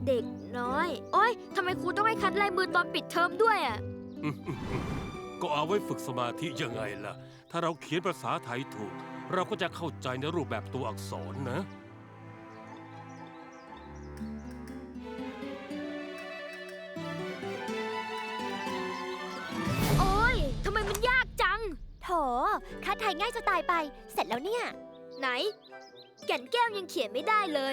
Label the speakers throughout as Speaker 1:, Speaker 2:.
Speaker 1: เด็กน้อยโอ๊ยทำไมครูต้องให้คัดลายมือตอนปิดเทอมด้วยอ่ะ
Speaker 2: ก็เอาไว้ฝึกสมาธิยังไงล่ะ ถ้าเราเขียนภาษาไทยถูก เราก็จะเข้าใจในรูปแบบตัวอักษรนะ
Speaker 1: โอ๊ยทำไมมันยากจัง
Speaker 3: โถคัดไทยง่ายจะตายไป เสร็จแล้วเนี่ย
Speaker 1: ไหน แก่นแก้วยังเขียนไม่ได้เลย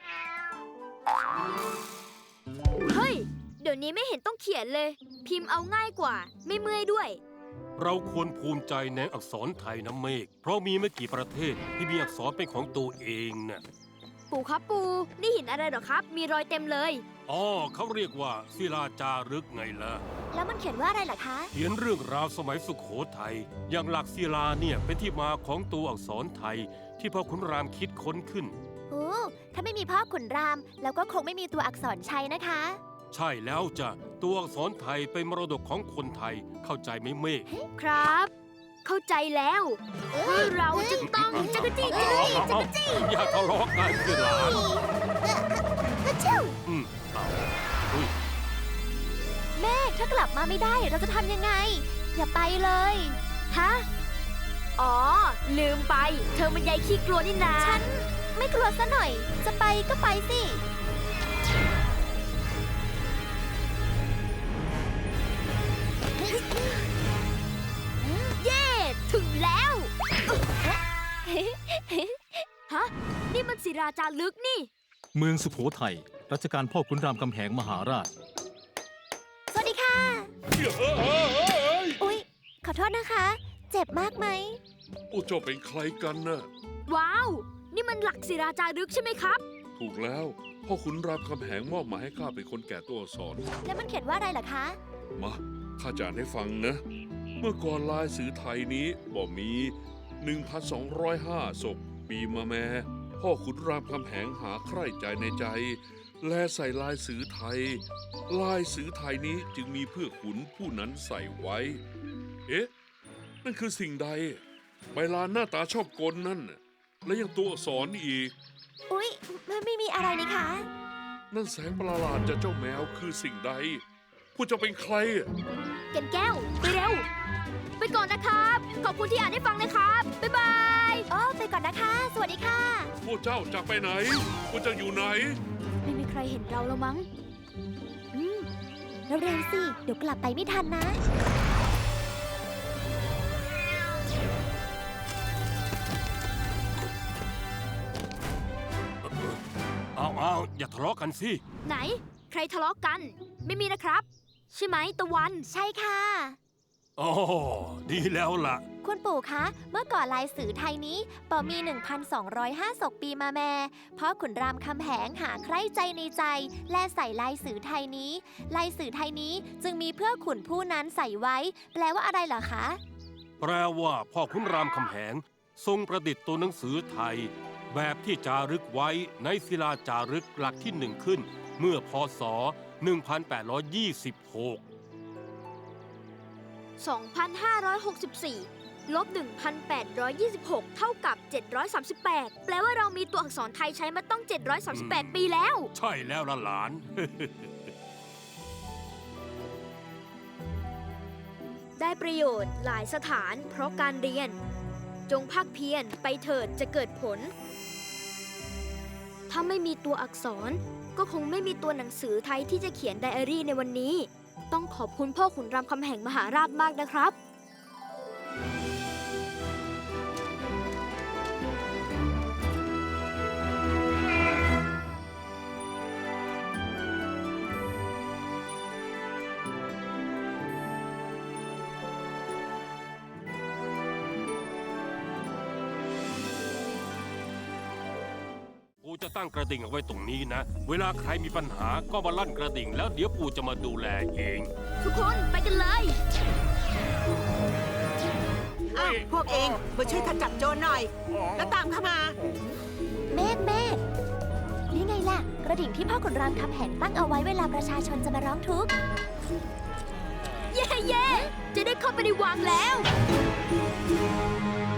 Speaker 1: เฮ้ย เดี๋ยวนี้ไม่เห็นต้องเขียนเลย พิมพ์เอาง่ายกว่า ไม่เมื่อยด้วย
Speaker 2: เราควรภูมิใจในอักษรไทยนะเมฆ เพราะมีไม่กี่ประเทศที่มีอักษรเป็นของตัวเองน่ะ
Speaker 1: ปู่ครับปู่นี่หินอะไรเหรอครับ มีรอยเต็มเลย
Speaker 2: อ๋อเขาเรียกว่าศิลาจารึกไงล่ะ
Speaker 3: แล้วมันเขียนว่าอะไรล่ะคะ
Speaker 2: เขียนเรื่องราวสมัยสุโขทัย อย่างหลักศิลาเนี่ยเป็นที่มาของตัวอักษรไทย ที่พ่อขุนรามคิดค้นขึ้น
Speaker 3: โอ้ถ้าไม่มีพ่อขุนราม แล้วก็คงไม่มีตัวอักษรชัยนะคะ
Speaker 2: ใช่แล้วจ้ะ ตัวอักษรไทยเป็นมรดกของคนไทย เข้าใจไหมเมฆ
Speaker 1: ครับ เข้าใจแล้วว่าเราจะต้องจักรจี้จักรจี้จักรจี้
Speaker 2: อย่าทะเลาะกันสิหลาน
Speaker 3: ชิว
Speaker 2: เอาอุ้ย
Speaker 3: เมฆถ้ากลับมาไม่ได้เราจะทำยังไง อย่าไปเลย
Speaker 1: ฮะ อ๋อ ลืมไป เธอมันยายขี้กลัวนี่นา
Speaker 3: ฉันไม่กลัวซะหน่อย จะไปก็ไปสิ
Speaker 1: เย้ ถึงแล้ว ฮะ นี่มันศิราจารึกนี่
Speaker 4: เมืองสุโขทัย รัชกาลพ่อขุนรามคำแหงมหาราช
Speaker 3: สวัสดีค่ะ อุ๊ย ขอโทษนะคะ เจ็บมากไหม
Speaker 5: โอ้เจ้าเป็นใครกันน่ะ
Speaker 1: ว้าว นี่มันหลักศิราจารึกใช่ไหมครับ
Speaker 5: ถูกแล้ว พ่อขุนรามคำแหงมอบหมายให้ข้าเป็นคนแก่ตัวอักษร
Speaker 3: แล้วมันเขียนว่าอะไรล่ะคะ
Speaker 5: มาข้าจะอ่านให้ฟังนะ เมื่อก่อนลายสื่อไทยนี้บ่มี 1,205 ศพปีมะแม่พ่อขุนรามคำแหงหาใคร่ใจในใจ แลใส่ลายสื่อไทย ลายสื่อไทยนี้จึงมีเพื่อขุนผู้นั้นใส่ไว้ เอ๊ะ นั่นคือสิ่งใด ใบลานหน้าตาชอบกลนั่นน่ะและยังตัวอักษรอีก
Speaker 3: อุ๊ยไม่มีอะไรนี่คะ
Speaker 5: นั่นแสงประหลาดจากเจ้าแมวคือสิ่งใดผู้จะเป็นใคร
Speaker 1: แก่นแก้ว ไปเร็ว ไปก่อนนะครับ ขอบคุณที่อ่านให้ฟังนะครับ บ๊ายบาย
Speaker 3: อ๋อไปก่อนนะคะ สวัสดีค่ะ
Speaker 5: พวกเจ้าจะไปไหนพวกเจ้าอยู่ไหน
Speaker 1: ไม่มีใครเห็นเราแล้วมั้ง
Speaker 3: เร็วๆสิ เดี๋ยวกลับไปไม่ทันนะ
Speaker 2: เอาอย่าทะเลาะกันสิ
Speaker 1: ไหน ใครทะเลาะกัน ไม่มีนะครับ ใช่ไหมตะวัน
Speaker 3: ใช่ค่ะ
Speaker 2: อ๋อ ดีแล้วล่ะ
Speaker 3: คุณปู่คะ เมื่อก่อนลายสื่อไทยนี้ปอมี 1,205 ศกปีมาแม่เพราะขุนรามคำแหงหาใคร่ใจในใจ และใส่ลายสื่อไทยนี้ ลายสื่อไทยนี้จึงมีเพื่อขุนผู้นั้นใส่ไว้ แปลว่าอะไรเหรอคะ
Speaker 2: แปลว่าพ่อขุนรามคำแหง ทรงประดิษฐ์ตัวหนังสือไทย แบบที่จารึกไว้ในศิลาจารึกหลักที่หนึ่งขึ้น เมื่อพศ 1826
Speaker 1: 2,564 ลบ 1,826 เท่ากับ 738 แปลว่าเรามีตัวอักษรไทยใช้มาต้อง 738 ปีแล้ว
Speaker 2: ใช่แล้วล่ะหลาน
Speaker 1: ได้ประโยชน์หลายสถานเพราะการเรียน จงภาคเพียรไปเถิดจะเกิดผล ถ้าไม่มีตัวอักษร ก็คงไม่มีตัวหนังสือไทยที่จะเขียนไดอารี่ในวันนี้ ต้องขอบคุณพ่อขุนรามคำแหงมหาราชมากนะครับ
Speaker 2: ปู่จะตั้งกระดิ่งเอาไว้ตรงนี้นะ เวลาใครมีปัญหาก็มาลั่นกระดิ่งแล้วเดี๋ยวปู่จะมาดูแลเอง
Speaker 1: ทุกคนไปกันเลย
Speaker 6: อ้าวพวกเองมาช่วยข้าจับโจรหน่อย แล้วตามเข้ามา
Speaker 3: เมฆนี่ไงล่ะ กระดิ่งที่พ่อขุนรามคำแหงตั้งเอาไว้เวลาประชาชนจะมาร้องทุกข์
Speaker 1: เย้ จะได้เข้าไปในวังแล้ว